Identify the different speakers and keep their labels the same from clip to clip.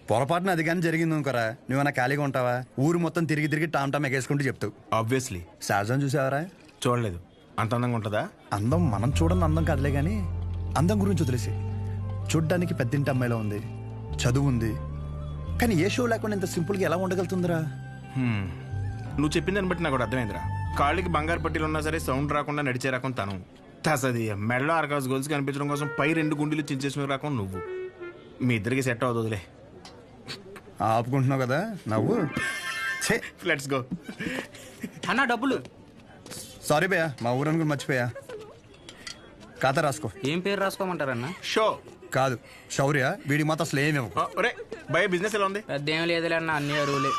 Speaker 1: పొరపాటున అది కానీ జరిగింది అనుకోరా, నువ్వన్నా ఖాళీగా ఉంటావా? ఊరు మొత్తం తిరిగి తిరిగి టామ్ టామ్ ఎగేసుకుంటూ చెప్తావు.
Speaker 2: ఆబ్వియస్లీ.
Speaker 1: సహజం చూసావరా?
Speaker 2: చూడలేదు. అంత అందంగా ఉంటుందా?
Speaker 1: అందం మనం చూడని అందం కాదులే కానీ అందం గురించి వదిలేసి, చూడ్డానికి పెద్దింటి అమ్మాయిలో ఉంది, చదువు ఉంది, కానీ ఏ షో లేకుండా ఇంత సింపుల్గా ఎలా ఉండగలుగుతుందిరా?
Speaker 2: నువ్వు చెప్పిందని బట్టి నాకు కూడా అర్థమైందిరా. కాళ్ళకి బంగారు పట్టీలు ఉన్నా సరే సౌండ్ రాకుండా నడిచే రకం తను. తసది మెడలో ఆర్కాస్ గోల్స్ కనిపించడం కోసం పై 2 గుండెలు చించేసిన రకం నువ్వు. మీ ఇద్దరికి సెట్ అవుతుందిలే.
Speaker 1: ఆపుకుంటున్నావు కదా నవ్వు.
Speaker 2: Let's go.
Speaker 3: అన్న డబ్బులు.
Speaker 1: సారీ భయ్యా, మా ఊరని కూడా మర్చిపోయా. ఖాతా రాసుకో.
Speaker 3: ఏం పేరు రాసుకోమంటారన్న?
Speaker 2: షో
Speaker 1: కాదు శౌర్య, వీడి మాత్రం అసలు ఏమి ఇవ్వకు.
Speaker 2: ఒరే భయ, బిజినెస్ ఎలా ఉంది?
Speaker 3: పెద్ద ఏం లేదులే అన్న, అన్ని అరువులే.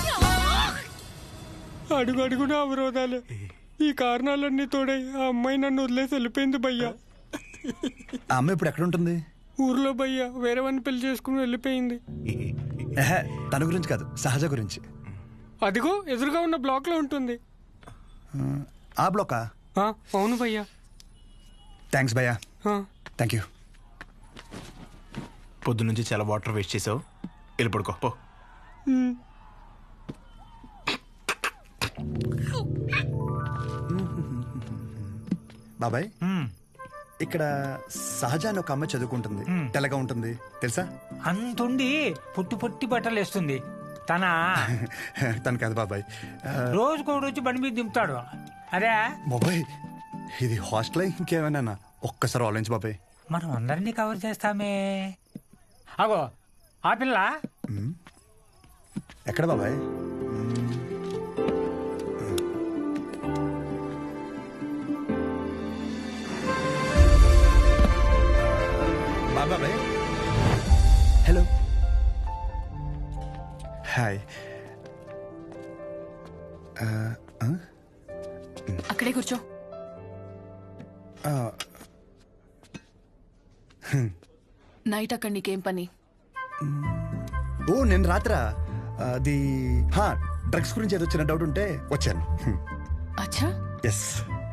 Speaker 4: అడుగు అడుగున అవరోధాలే. ఈ కారణాలన్నీ తోడై ఆ అమ్మాయి నన్ను వదిలేసి వెళ్ళిపోయింది భయ్యా.
Speaker 1: ఆ అమ్మాయి ఇప్పుడు ఎక్కడ ఉంటుంది?
Speaker 4: ఊర్లో భయ్యా వేరే వాడిని పెళ్లి చేసుకుని వెళ్ళిపోయింది.
Speaker 1: ఏహే, తన గురించి కాదు, సహజ గురించి.
Speaker 4: అదిగో ఎదురుగా ఉన్న బ్లాక్ లో ఉంటుంది.
Speaker 1: ఆ బ్లాకా?
Speaker 4: అవును భయ్యా.
Speaker 1: థ్యాంక్స్ భయ్యా. Thank you.
Speaker 2: పొద్దు నుంచి చాలా వాటర్ వేస్ట్ చేసావు, వెళ్ళి పడుకో పో.
Speaker 1: బాబాయ్, ఇక్కడ సహజ అని ఒక అమ్మాయి చదువుకుంటుంది, తెల్లగా ఉంటుంది తెలుసా?
Speaker 5: అంతుండి పొట్టి పొట్టి బట్టలు వేస్తుంది.
Speaker 1: తను కాదు బాబాయ్.
Speaker 5: రోజుకోడు వచ్చి బండి మీద దింపుతాడు. అరే
Speaker 1: బాబాయ్, ఇది హాస్టల్ ఇంకేమైనా? ఒక్కసారి ఆలోచించు బాబాయ్.
Speaker 5: మనం అందరినీ కవర్ చేస్తామే. అగో ఆ పిల్ల
Speaker 1: ఎక్కడ బాబాయ్? బాబాయ్ హలో, హాయ్.
Speaker 6: అక్కడే కూర్చో. నైట్ అక్కడ నీకేం పని?
Speaker 1: ఓ నేను రాత్రా అది డ్రగ్స్ గురించి ఏదో చిన్న డౌట్ ఉంటే వచ్చాను.
Speaker 6: అచ్చా,
Speaker 1: ఎస్.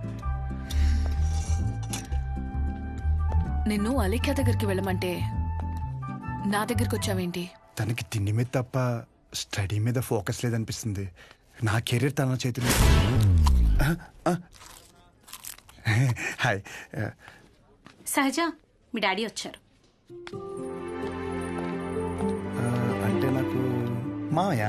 Speaker 6: నిన్ను అలేఖ్య దగ్గరికి వెళ్ళమంటే నా దగ్గరికి వచ్చావేంటి?
Speaker 1: తనకి తిండి మీద తప్ప స్టడీ మీద ఫోకస్ లేదనిపిస్తుంది. నా కెరీర్ తన చేతిలో. హాయ్.
Speaker 7: సహజ, మీ డాడీ వచ్చారు.
Speaker 1: అంటే నాకు మాయా.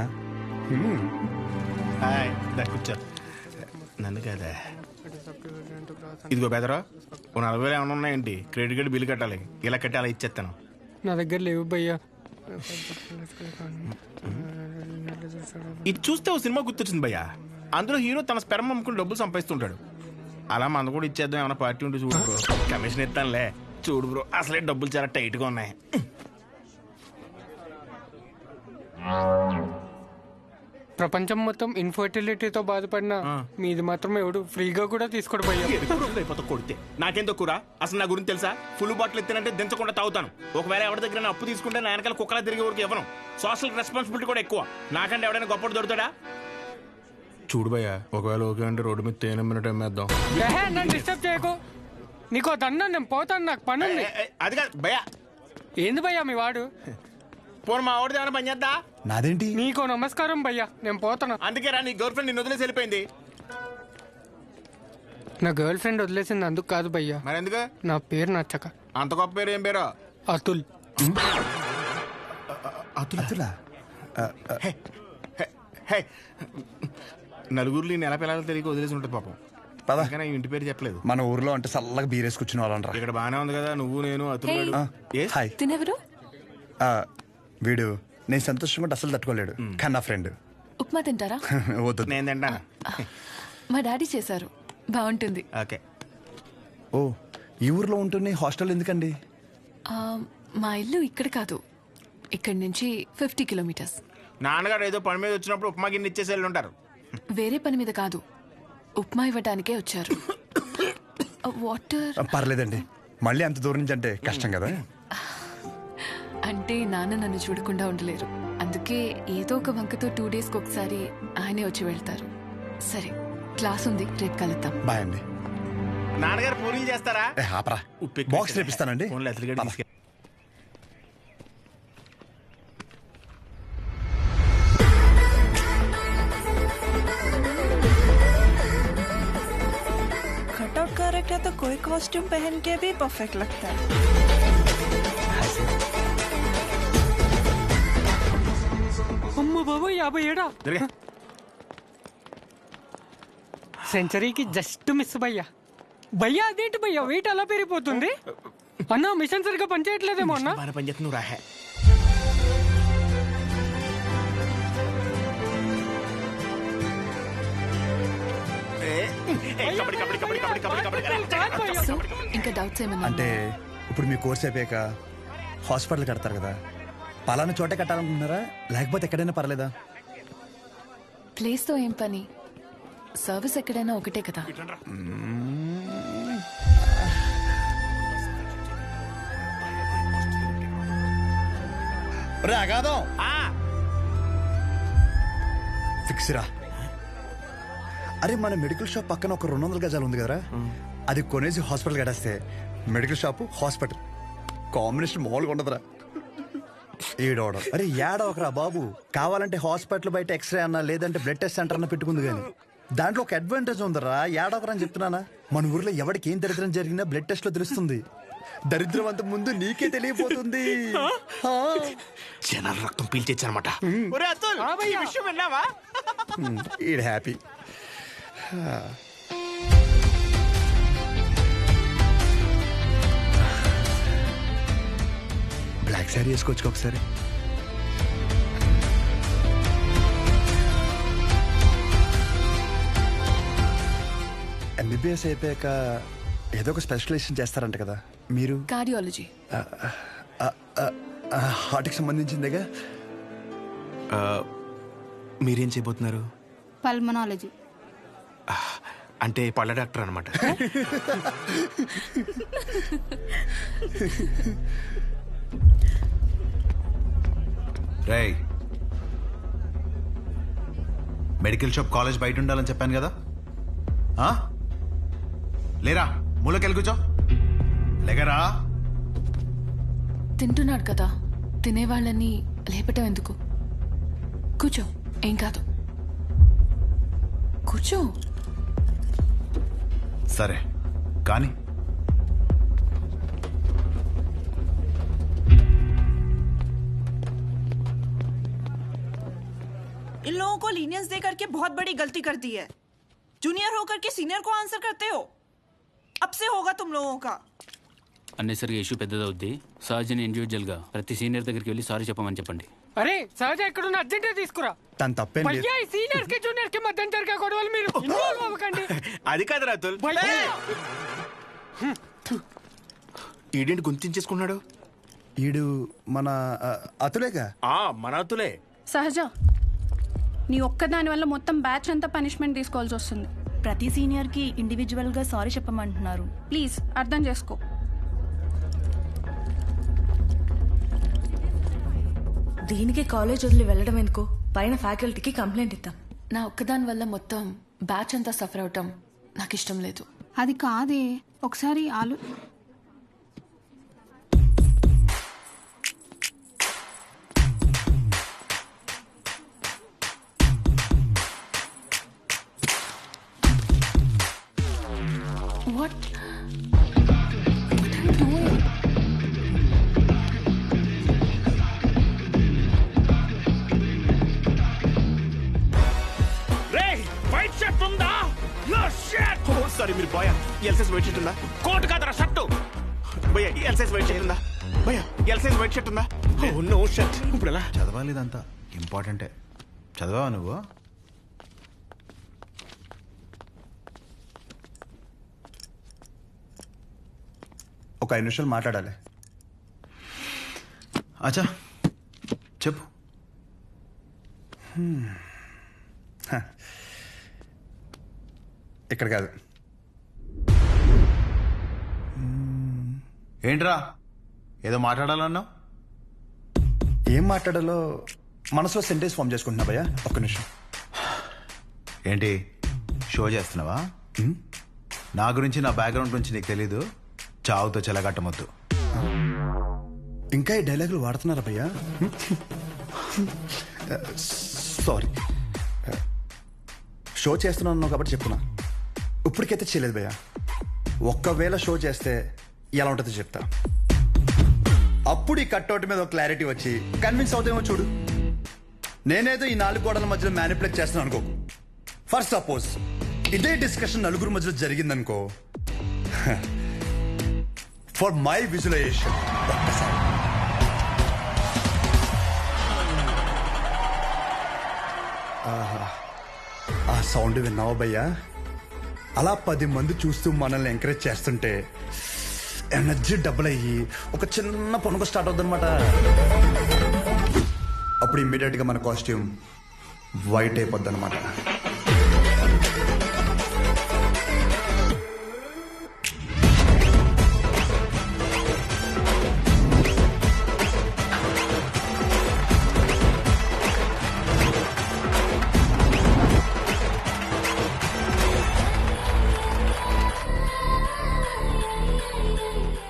Speaker 2: హాయ్, కూర్చో. నన్ను కదా. ఇదిగో బెదరా, ఓ 40,000 ఏమైనా ఉన్నాయండి? క్రెడిట్ కార్డు బిల్లు కట్టాలి, ఇలా కట్టి అలా ఇచ్చేస్తాను.
Speaker 4: నా దగ్గర లేవు భయ్యా.
Speaker 2: ఇది చూస్తే ఓ సినిమా గుర్తొచ్చింది భయ్యా. అందులో హీరో తన స్పెర్మ్ అమ్ముకుని డబ్బులు సంపాదిస్తుంటాడు. అలా మన కూడా ఇచ్చేద్దాం, ఏమైనా పార్టీ ఉంటే చూడు బ్రో. కమిషన్ ఇస్తానులే. చూడు బ్రో, అసలే డబ్బులు చాలా టైట్గా ఉన్నాయి.
Speaker 4: ప్రపంచం మొత్తం ఇన్ఫర్టిలిటీతో బాధపడినా మీది మాత్రం ఎవడు ఫ్రీగా కూడా తీసుకోడు భయ్యా.
Speaker 2: అయిపోతా కొడితే నాకేం తక్కువ? అసలు నా గురించి తెలుసా? ఫుల్ బాటిల్ ఎత్తినంటే దించకుండా తాగుతాను. ఒకవేళ ఎవరి దగ్గర అప్పు తీసుకుంటే నా వెనకాల కుక్కలా తిరిగే వరకు ఇవ్వను. సోషల్ రెస్పాన్సిబిలిటీ కూడా ఎక్కువ. నాకంటే ఎవడైనా గొప్పడు దొరుకుతాడా? చూడు భయ్యా, ఒకవేళ ఓకే అంటే రోడ్డు మీద తేనె మినిట్ అమ్మేద్దాం.
Speaker 4: నన్ను డిస్టర్బ్ చేయకు. నీకో దన్నా, నేను పోతాను, నాకు పని ఉంది.
Speaker 2: అది కాదు భయ్యా.
Speaker 4: ఏంది భయ్యా మీ వాడు?
Speaker 2: పోను మా ఆవిడది ఏమైనా పని చేద్దా?
Speaker 1: నాదేంటి?
Speaker 4: నీకో నమస్కారం భయ్యా, నేను పోతాను.
Speaker 2: అందుకే రా, నీ గర్ల్ ఫ్రెండ్ నిన్ను వదిలేసి వెళ్ళిపోయింది.
Speaker 4: నా గర్ల్ ఫ్రెండ్ వదిలేసింది అందుకు కాదు భయ్యా.
Speaker 2: మరి ఎందుకు?
Speaker 4: నా పేరు నచ్చక.
Speaker 2: అంత గొప్ప పేరు ఏం పేరు?
Speaker 4: అతుల్.
Speaker 1: అతులా?
Speaker 2: నలుగురిలో నెల పిల్లలు తిరిగి వదిలేసి ఉంటుంది పాపం.
Speaker 1: పదా,
Speaker 2: కానీ ఇంటి పేరు చెప్పలేదు.
Speaker 1: మన ఊర్లో అంటే చల్లగా బీరేసి కూర్చుని వాళ్ళంటారా.
Speaker 2: ఇక్కడ బానే ఉంది కదా, నువ్వు నేను అతులు.
Speaker 1: హాయ్.
Speaker 6: తినెవరు?
Speaker 1: వీడు నేను సంతోషంగా ఉంటే అసలు తట్టుకోలేడు, కానీ నా ఫ్రెండ్.
Speaker 6: ఉప్మా తింటారా?
Speaker 1: వద్దు.
Speaker 2: నేను తింటాను.
Speaker 6: మా డాడీ చేశారు, బాగుంటుంది.
Speaker 2: ఓకే.
Speaker 1: ఓ, ఈ ఊర్లో ఉంటున్న హాస్టల్ ఎందుకండి?
Speaker 6: మా ఇల్లు ఇక్కడ కాదు, ఇక్కడి నుంచి 50 కిలోమీటర్స్.
Speaker 2: నాన్నగారు ఏదో పని మీద వచ్చినప్పుడు ఉప్మా గిన్నె ఇచ్చేసి వెళ్ళి ఉంటారు.
Speaker 6: వేరే పని మీద కాదు, ఉప్మా ఇవ్వడానికే వచ్చారు. వాటర్
Speaker 1: పర్లేదండి, మళ్ళీ అంత దూరం నుంచి అంటే కష్టం కదా.
Speaker 6: అంటే నాన్న నన్ను చూడకుండా ఉండలేరు, అందుకే ఏదో ఒక వంకతో 2 డేస్కి ఒకసారి ఆయనే వచ్చి వెళ్తారు. సరే, క్లాస్ ఉంది, రేపు కలుద్దాం.
Speaker 1: బాయ్ అండి.
Speaker 2: నాన్నగారు పూరీలు చేస్తారా?
Speaker 1: ఆపరా, బాక్స్ రేపిస్తానండి.
Speaker 8: आउट करेक्ट है तो कोई कॉस्ट्यूम पहन के भी परफेक्ट लगता है.
Speaker 4: అమ్మ బాబు 57
Speaker 2: జరిగా
Speaker 4: సెంచరీకి జస్ట్ మిస్ భయ్యా. భయ్యా అదేంటి భయ్యా వెయిట్ అలా పెరిగిపోతుంది? అన్న మిషన్ సరిగ్గా పనిచేయట్లేదేమో అన్న.
Speaker 2: బాగా పని చేస్తున్నావు రాహే.
Speaker 6: సో ఇంకా డౌట్స్ ఏమన్నా
Speaker 1: అంటే ఇప్పుడు మీ కోర్స్ అయిపోయాక హాస్పిటల్ కడతారు కదా, పలానా చోట కట్టాలనుకుంటున్నారా లేకపోతే ఎక్కడైనా పర్లేదా?
Speaker 6: ప్లేస్ తో ఏం పని, సర్వీస్ ఎక్కడైనా ఒకటే కదా.
Speaker 1: రాగాదం ఫిక్స్ రా. అరే మన మెడికల్ షాప్ పక్కన ఒక 200 గజాలు ఉంది కదరా, అది కొనేసి హాస్పిటల్ కట్టేస్తే మెడికల్ షాప్ హాస్పిటల్ కాంబినేషన్ మామూలుగా ఉండదురా. ఏడవడం అరే ఏడవకరా బాబు, కావాలంటే హాస్పిటల్ బయట ఎక్స్రే అన్నా లేదంటే బ్లడ్ టెస్ట్ సెంటర్ అన్న పెట్టుకుంది కానీ దాంట్లో ఒక అడ్వాంటేజ్ ఉందరా. ఏడవకరా అని చెప్తున్నానా, మన ఊర్లో ఎవరికి ఏం దరిద్రం జరిగినా బ్లడ్ టెస్ట్ లో తెలుస్తుంది. దరిద్రం అంత ముందు నీకే తెలియపోతుంది.
Speaker 2: జనాల రక్తం పీల్చేచ్చనమాట. విషయం విన్నావా?
Speaker 1: ఈడ్ హ్యాపీ. బ్లాక్ శారీ వేసుకోవచ్చు ఒకసారి. ఎంబీబీఎస్ అయిపోయాక ఏదో ఒక స్పెషలైజేషన్ చేస్తారంట కదా మీరు?
Speaker 6: కార్డియాలజీ.
Speaker 1: హార్ట్కి సంబంధించిందేగా.
Speaker 2: మీరేం చేయబోతున్నారు?
Speaker 7: పల్మనాలజీ.
Speaker 2: అంటే పళ్ళ డాక్టర్ అనమాట.
Speaker 9: రేయ్, మెడికల్ షాప్ కాలేజ్ బయట ఉండాలని చెప్పాను కదా, లేరా మూలకెళ్ళి కూర్చో. లేకరా.
Speaker 6: తింటున్నాడు కదా, తినేవాళ్ళని లేపటం ఎందుకు? కూర్చో, ఏం కాదు, కూర్చో.
Speaker 9: సరే కానీ
Speaker 8: इन लोगों को लीनियंस दे करके बहुत बड़ी गलती कर दी है. जूनियर होकर के सीनियर को आंसर करते हो. अब से होगा तुम लोगों का.
Speaker 3: అన్నెసరిగా ఇష్యూ పెద్దదవుద్ది. సహజని ఇండివిజువల్గా ప్రతి సీనియర్ దగ్గరికి వెళ్ళి సారీ చెప్పమని చెప్పండి.
Speaker 4: అరే సహజ ఎక్కడున్న అర్జెంట్ తీసుకురా.
Speaker 1: తన తప్పేం లేదు.
Speaker 4: భయ్యా సీనియర్ కి జూనియర్ కి మధ్య జరిగే గొడవలు మీరు ఇన్వాల్వ్ అవ్వకండి.
Speaker 2: అది కాదు రాతుల్. ఈడేంటి గుంతించేసుకున్నాడు?
Speaker 1: ఈడు మన అతులేగా.
Speaker 2: మన అతులే.
Speaker 7: సహజ, నీ ఒక్కదాని వల్ల మొత్తం బ్యాచ్ అంతా పనిష్మెంట్ తీసుకోవాల్సి వస్తుంది.
Speaker 8: ప్రతి సీనియర్ కి ఇండివిజువల్ గా సారీ చెప్పమంటున్నారు.
Speaker 7: ప్లీజ్ అర్థం చేసుకో.
Speaker 8: దీనికి కాలేజ్ వదిలి వెళ్ళడం ఎందుకు? పైన ఫ్యాకల్టీకి కంప్లైంట్ ఇద్దాం.
Speaker 6: నా ఒక్కదాని వల్ల మొత్తం బ్యాచ్ అంతా సఫర్ అవటం నాకు ఇష్టం లేదు.
Speaker 7: అది కాదే, ఒకసారి
Speaker 6: What? What are you doing?
Speaker 2: White shirt ఉందా? సారీ మీరు బాయ్. ఎల్సైజ్ వైట్ షర్ట్ ఉందా? కోట్ కాదరా షర్టు. భయ్యా ఎల్సైజ్ వైట్ షర్ట్ ఉందా? భయ్యా ఎల్సైజ్ వైట్ షర్ట్ ఉందా? No shirt. ఇప్పుడు ఎలా
Speaker 9: చదవాలి? ఇదంతా ఇంపార్టెంటే. చదవా నువ్వు?
Speaker 1: ఒక 5 నిమిషాలు మాట్లాడాలి.
Speaker 9: అచ్చా చెప్పు.
Speaker 1: ఇక్కడ కాదు.
Speaker 9: ఏంట్రా ఏదో మాట్లాడాలన్నావు?
Speaker 1: ఏం మాట్లాడాలో మనసులో సెంటెన్స్ ఫామ్ చేసుకుంటున్నా భయ్యా. ఒక్క నిమిషం.
Speaker 9: ఏంటి షో చేస్తున్నావా? నా గురించి నా బ్యాక్గ్రౌండ్ గురించి నీకు తెలీదు. చావుతో చెలగట్టమొద్దు.
Speaker 1: ఇంకా ఈ డైలాగులు వాడుతున్నారా భయ్యా? సారీ, షో చేస్తున్నాను కాబట్టి చెప్తున్నా. ఇప్పటికైతే చేయలేదు భయ్యా. ఒక్కవేళ షో చేస్తే ఎలా ఉంటుందో చెప్తా. అప్పుడు ఈ కట్అవుట్ మీద ఒక క్లారిటీ వచ్చి కన్విన్స్ అవుతామో చూడు. నేనేదో ఈ 4 గోడల మధ్యలో మ్యానిపులేట్ చేస్తున్నాను అనుకో. ఫర్ సపోజ్ ఇదే డిస్కషన్ నలుగురు మధ్యలో జరిగిందనుకో, ఫర్ మై విజువలైజేషన్ ఆ సౌండ్ విన్నావా భయ్యా? అలా 10 మంది చూస్తూ మనల్ని ఎంకరేజ్ చేస్తుంటే ఎనర్జీ డబుల్ అయ్యి ఒక చిన్న పనుకు స్టార్ట్ అవుతుంది అనమాట. అప్పుడు ఇమ్మీడియట్ గా మన కాస్ట్యూమ్ వైట్ అయిపోద్ది అనమాట.